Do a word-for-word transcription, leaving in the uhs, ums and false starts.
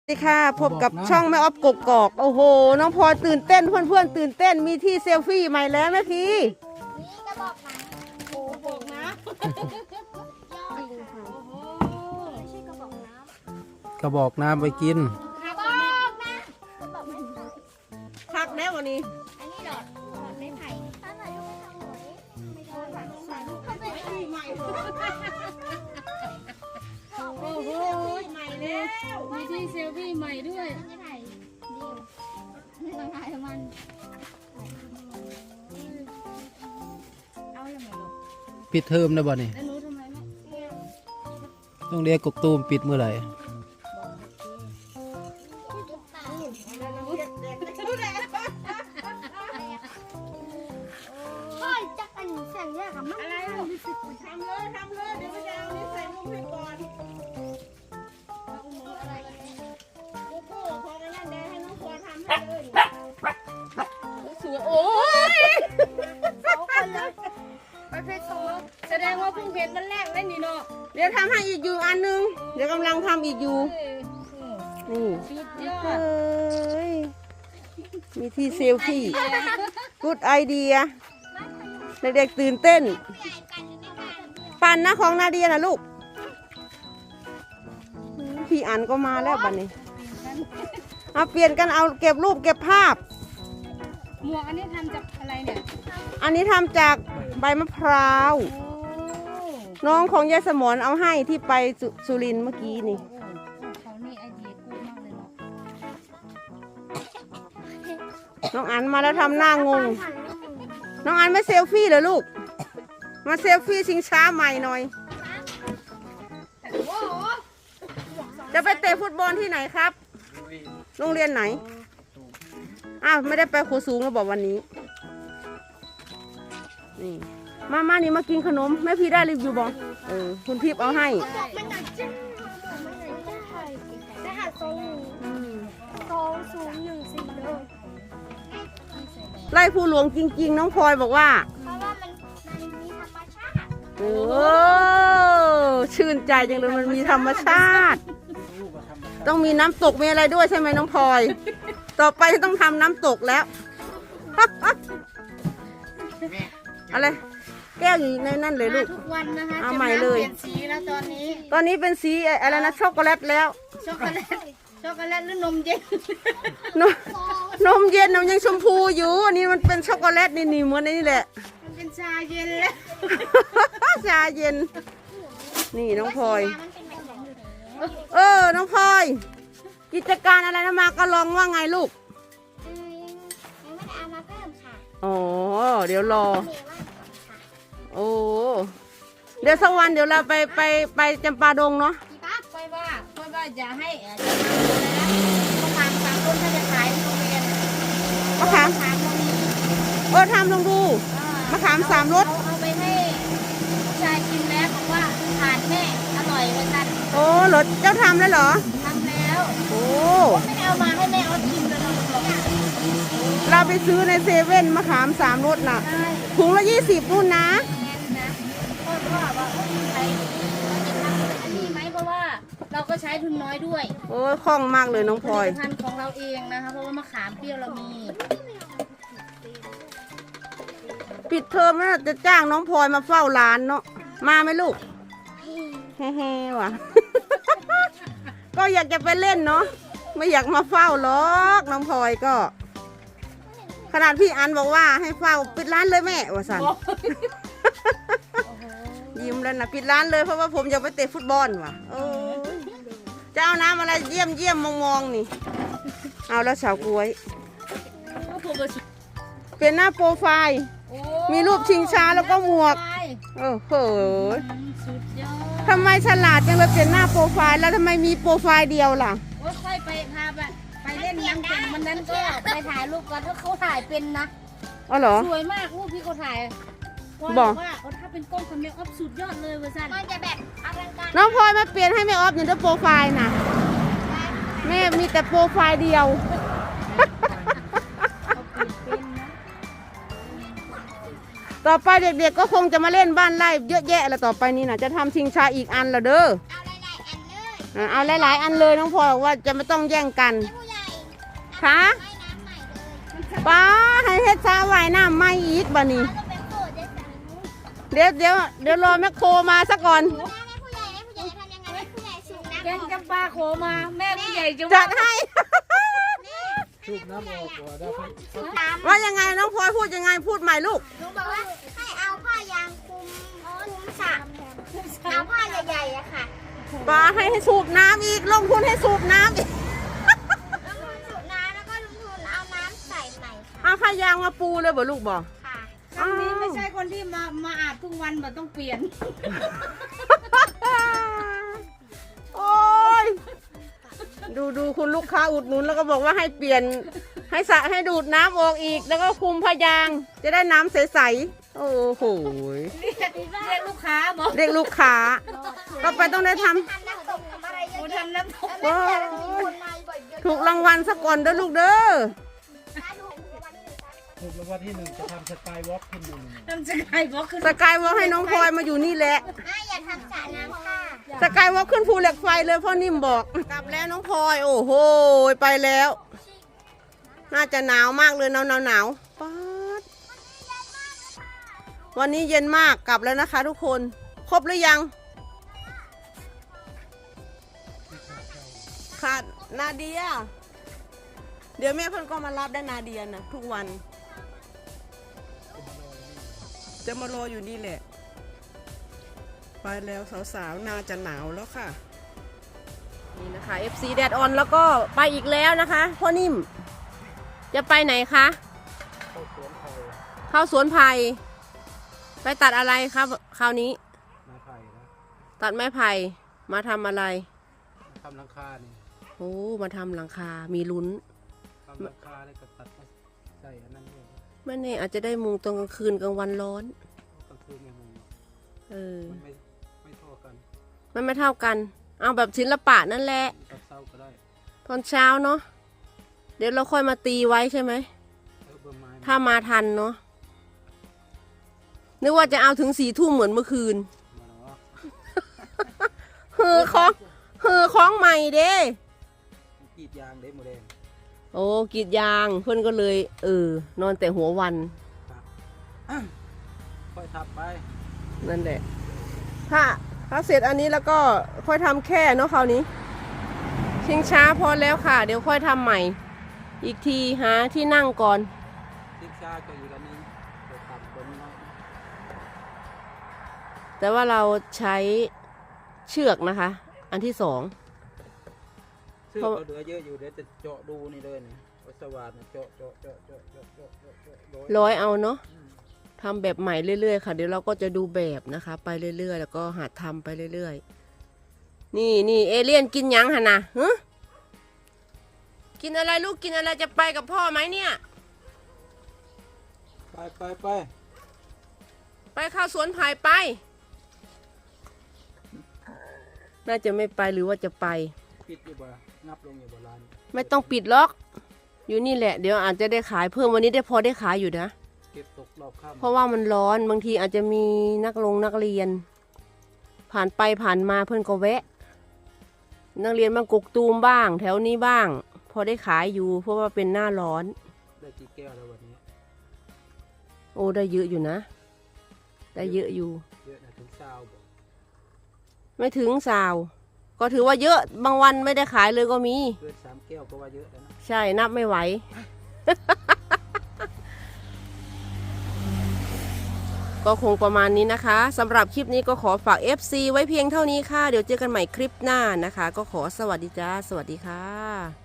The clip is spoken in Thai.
สวัสดีค่ะพบกับช่องแม่ออฟกกอกโอ้โหน้องพลอยตื่นเต้นเพื่อนๆตื่นเต้นมีที่เซลฟี่ใหม่แล้วแม่พี่นี่กระบอกน้ำโอ้บอกน้ำยอดค่ะโอ้โหไม่ใช่กระบอกน้ำกระบอกน้ำไปกินกระบอกน้ำกระบอกไม่ใช่พักแล้ววันนี้อันนี้หลอดหลอดไม้ไผ่ถ้าไหนลูกไม่ทำหวยไม่โดนหลังใส่ลูกเข้าไปใหม่โอ้โหใหม่แล้วมีที่เซลฟี่ใหม่ด้วยไม่ไผ่เดียวไม่ต้องถ่ายมันเอาอย่างไรลูกปิดเทอมนะบ่นี่แล้วหนูทำไมไม่ต้องเรียกกกตูมปิดเมื่อไหร่พ่อจะกันเสียงแยกกับมันอะไรลูกทำเลยทำเลยเดี๋ยวไปเอานี่ใส่มุ้งให้ก่อนโอ้โหพอกันนั่นเดี๋ยวให้น้องพลอยทำให้เลยสวยโอ้ยสองคนเลยประเภทสองแสดงว่าเพิ่งเห็นวันแรกเลยนี่เนาะเดี๋ยวทำให้อีกอยู่อันนึงเดี๋ยวกำลังทำอีกอยู่เอ้ยนี่สุดยอเฮด้ยมีที่เซลฟี่กูดไอเดียเด็กๆตื่นเต้น ปั่นนะของนาเดียนะลูกพี่อันก็มาแล้วบัดนี้เอาเปลี่ยนกันเอาเก็บรูปเก็บภาพหมวกอันนี้ทำจากอะไรเนี่ยอันนี้ทำจากใบมะพร้าวโอ้น้องของยายสมรเอาให้ที่ไปสุสุรินทร์เมื่อกี้นี่โอ้เขานี่ไอเดียกูมากเลยเนาะน้องอันมาแล้วทำหน้างง น้องอันไม่เซลฟี่เหรอลูก มาเซลฟี่ชิงช้าใหม่หน่อย จะไปเตะฟุตบอลที่ไหนครับ โรงเรียนไหน อ้าวไม่ได้ไปครูสูงแล้วบอกวันนี้ นี่ มามานี่มากินขนมแม่พี่ได้รีวิวบองเออคุณทิพย์เอาให้บอกมันหนักจ้ามันหนักจ้าได้หาทรงอืมทรงสูงหนึ่งสี่เลยไล่ผู้หลวงจริง ๆ น้องพลอยบอกว่าเพราะว่ามันมันมีธรรมชาติโอ้ชื่นใจจังเลยมันมีธรรมชาติ ต้องมีน้ำตกมีอะไรด้วยใช่ไหมน้องพลอย ต่อไปต้องทำน้ำตกแล้ว อะไรแก้วอยู่ในนั่นเลยลูกทุกวันนะคะเอาใหม่เลยจะน้ำเปลี่ยนสีแล้วตอนนี้ตอนนี้เป็นสีอะไรนะช็อกโกแลตแล้วช็อกโกแลตช็อกโกแลตหรือนมเย็นนมนมเย็นนมยังชมพูอยู่อันนี้มันเป็นช็อกโกแลตนี่นี่เหมือนนี่แหละมันเป็นชาเย็นแล้วชาเย็น นี่น้องพลอยมันเป็นแบบนี้เออ น้องพลอย กิจการอะไรนะมาก็ลองว่าไงลูกอืมยังไม่ได้เอามาเพิ่มค่ะอ๋อ เดี๋ยวรอมีว่าค่ะโอ้ เดี๋ยวสักวันเดี๋ยวเราไปไปไปจำปาดงเนาะพี่ป้าค่อยว่าค่อยว่าอย่าให้เอ่อจะทำอะไรนะต้องทำตามต้นถ้าจะขายโรงเรียนมะขามขามตรงนี้เออทำลองดูมะขามสามรสเอาเอาไปให้ผู้ชายกินแล้วบอกว่าทานแม่อร่อยเหมือนกันโอ้รสเจ้าทำแล้วเหรอทำแล้วโอ้ไม่ได้เอามาให้แม่เอากินเลยนะบอกเราไปซื้อในเซเว่นมะขามสามรสน่ะใช่ถุงละยี่สิบนู่นนะแน่นนะก็ว่าว่าเอ้ยใครเราจะทำอันนี้ไหมเพราะว่าเราก็ใช้ทุนน้อยด้วยโอ้ยคล่องมากเลยน้องพลอยผลิตภัณฑ์ของเราเองนะคะเพราะว่ามะขามเปรี้ยวเรามีปิดเทอมแล้วจะจ้างน้องพลอยมาเฝ้าร้านเนาะ มาไหมลูก เฮ้ๆว่ะ ก็อยากจะไปเล่นเนาะ ไม่อยากมาเฝ้าหรอกน้องพลอยก็ ขนาดพี่อันบอกว่าให้เฝ้าปิดร้านเลยแม่ว่าสัน ยิ้มแล้วนะปิดร้านเลยเพราะว่าผมอยากไปเตะฟุตบอลว่ะโอ้ยจะเอาน้ำอะไรเยี่ยมเยี่ยมมองมองๆนี่ เอาแล้วสาวกล้วย เปลี่ยนหน้าโปรไฟล์ มีรูปชิงช้าแล้วก็หมวก โอ้โหสุดยอดทำไมฉลาดจังเลยเปลี่ยนหน้าโปรไฟล์แล้วทำไมมีโปรไฟล์เดียวล่ะโอ้ยค่อยไปพาไปไปเล่นน้ำเก่งวันนั้นก็ไปถ่ายรูปกันถ้าเขาถ่ายเป็นนะอ๋อเหรอสวยมากรูปที่เขาถ่ายบอกว่าเขาถ้าเป็นกล้องคอมเมออฟสุดยอดเลยเวอร์ซันมันจะแบบอลังการน้องพลอยมาเปลี่ยนให้แม่ออฟอย่างเดียวโปรไฟล์นะแม่มีแต่โปรไฟล์เดียว ต่อไปเด็กๆก็คงจะมาเล่นบ้านไร่เยอะแยะแล้วต่อไปนี้นะจะทำชิงชาอีกอันละเด้อเอาหลายๆอันเลยอ่ะเอาหลายๆอันเลยน้องพลอยบอกว่าจะไม่ต้องแย่งกันผู้ใหญ่ค่ะให้น้ำใหม่เลยป้าให้เฮ็ดซาไว้น้ำไม่อีกบ่นี่ก็เป็นโปรดได้สั่งเดี๋ยวเดี๋ยวเดี๋ยวรอแมคโครมาซะก่อนแม่ผู้ใหญ่แม่ผู้ใหญ่ทำยังไงแม่ผู้ใหญ่สูงน้ำแกงจำปาโคมา แม่ผู้ใหญ่จะจัดให้สูบน้ำออกก่อนได้ครับสูงน้ำว่ายังไงน้องพลอยพูดยังไงพูดใหม่ลูกลุงบอกว่าให้เอาผ้ายางคลุมคลุมสระเอาผ้าใหญ่ๆอะค่ะป้าให้ให้สูบน้ำอีกลงทุนให้สูบน้ำอีกลงทุนสูบน้ำแล้วก็ลงทุนเอาน้ำใส่ใหม่ค่ะเอาผ้ายางมาปูเลยบ่ลูกบ่ค่ะครั้งนี้ไม่ใช่คนที่มามาอาบทุกวันแบบต้องเปลี่ยนโอ้ยดูดูคุณลูกค้าอุดหนุนแล้วก็บอกว่าให้เปลี่ยนให้สระให้ดูดน้ำออกอีก แล้วก็คุมผ้ายาง จะได้น้ำใสๆโอ้โหเรียกเรียกลูกค้าบอกเรียกลูกค้าก็ไปต้องได้ทำทำน้ำตกทำอะไรเยโอ้อะแยะทำน้ำตกแล้วแม่จะมีคนมาบ่อยเยอะถูกรางวัลซะก่อนเด้อลูกเด้อนะดูวันนี้เลยจ้ะถูกรางวัลที่หนึ่งจะทำสกายวอล์กขึ้นหนึ่งน้ำจะไก่บอกคือสกายวอล์กให้น้องพลอยมาอยู่นี่แหละแม่อย่าทำสระน้ำค่ะสกายวอล์กขึ้นภูเหล็กไฟเลยพ่อนิ่มบอก กลับแล้วน้องพลอยโอ้โหไปแล้ว น่าจะหนาวมากเลยหนาวหนาวหนาวป๊าดวันนี้เย็นมากกลับแล้วนะคะทุกคนครบหรือยังขาดนาเดีย เดี๋ยวแม่เพิ่นก็มารับได้นาเดียนะทุกวัน จะมารออยู่นี่แหละ ไปแล้วสาวๆน่าจะหนาวแล้วค่ะ นี่นะคะ เอฟ ซี แดดออนแล้วก็ไปอีกแล้วนะคะพ่อนิ่ม จะไปไหนคะเข้าสวนไผ่เข้าสวนไผ่ไปตัดอะไรครับคราวนี้ไม้ไผ่นะตัดไม้ไผ่มาทำอะไรทำหลังคานี่โอ้มาทำหลังคา มีลุ้นทำหลังคาแล้วก็ตัดมาใส่อันนั้นด้วยไม่แน่อาจจะได้มุงตอนกลางคืนกลางวันร้อนกลางคืนเนี่ยมึงเออมันไม่ไม่เท่ากันมันไม่เท่ากัน เอาแบบศิลปะนั่นแหละตัดเศร้าก็ได้ตอนเช้าเนาะ เดี๋ยวเราค่อยมาตีไว้ใช่ไหมเออเบอร์ไม้ถ้ามาทันเนาะ นึกว่าจะเอาถึงสี่ทุ่มเหมือนเมื่อคืนมาแล้วว่าเฮือของเฮือของใหม่เด้กรีดยางได้หมดแดงโอ้กรีดยางเพื่อนก็เลย เออ นอนแต่หัววันค่อยทับไปนั่นแหละ ถ้าถ้าเสร็จอันนี้แล้วก็ค่อยทำแค่เนาะคราวนี้ ชิงช้าพอแล้วค่ะ เดี๋ยวค่อยทำใหม่ อีกทีหาที่นั่งก่อนทิ้งชาก็อีกอันนึงเดี๋ยวตัดตัวนี้น้อยแต่ว่าเราใช้เชือกนะคะ อันที่สองเสื้อเราเหลือเยอะอยู่เดี๋ยวจะเจาะดูนี่เลยนี่วัสวาดเนี่ยเจาะเจาะเจาะเจาะเจาะเจาะเจาะเจาะร้อยร้อยเอาเนาะทำแบบใหม่เรื่อยๆค่ะ เดี๋ยวเราก็จะดูแบบนะคะ ไปเรื่อยๆ แล้วก็หัดทำไปเรื่อยๆ นี่นี่เอเลี่ยนกินยังหะนะฮะกินอะไรลูกกินอะไรจะไปกับพ่อไหมเนี่ยไปไปไปไปเข้าสวนไผ่ไป น่าจะไม่ไปหรือว่าจะไปปิดอยู่บ่นับลงอยู่บ่ร้านไม่ต้องปิดล็อก อยู่นี่แหละ เดี๋ยวอาจจะได้ขายเพิ่มวันนี้ได้พอได้ขายอยู่นะเก็บตกรอบค่ำเพราะว่ามันร้อนบางทีอาจจะมีนักลงนักเรียน ผ่านไปผ่านมาเพื่อนก็แวะ นักเรียนมากกตูมบ้าง แถวนี้บ้าง พอได้ขายอยู่ เพราะว่าเป็นหน้าร้อนได้กี่แก้วแล้ววันนี้โอ้ได้เยอะอยู่นะ ได้เยอะอยู่เยอะนะถึงเช้าบ่ไม่ถึงสาว ก็ถือว่าเยอะบางวันไม่ได้ขายเลยก็มีเกินสามแก้วก็ว่าเยอะแล้วนะใช่นับไม่ไหว ก็คงประมาณนี้นะคะสำหรับคลิปนี้ก็ขอฝาก เอฟ ซี ไว้เพียงเท่านี้ค่ะ เดี๋ยวเจอกันใหม่คลิปหน้านะคะ ก็ขอสวัสดีจ้า สวัสดีค่ะ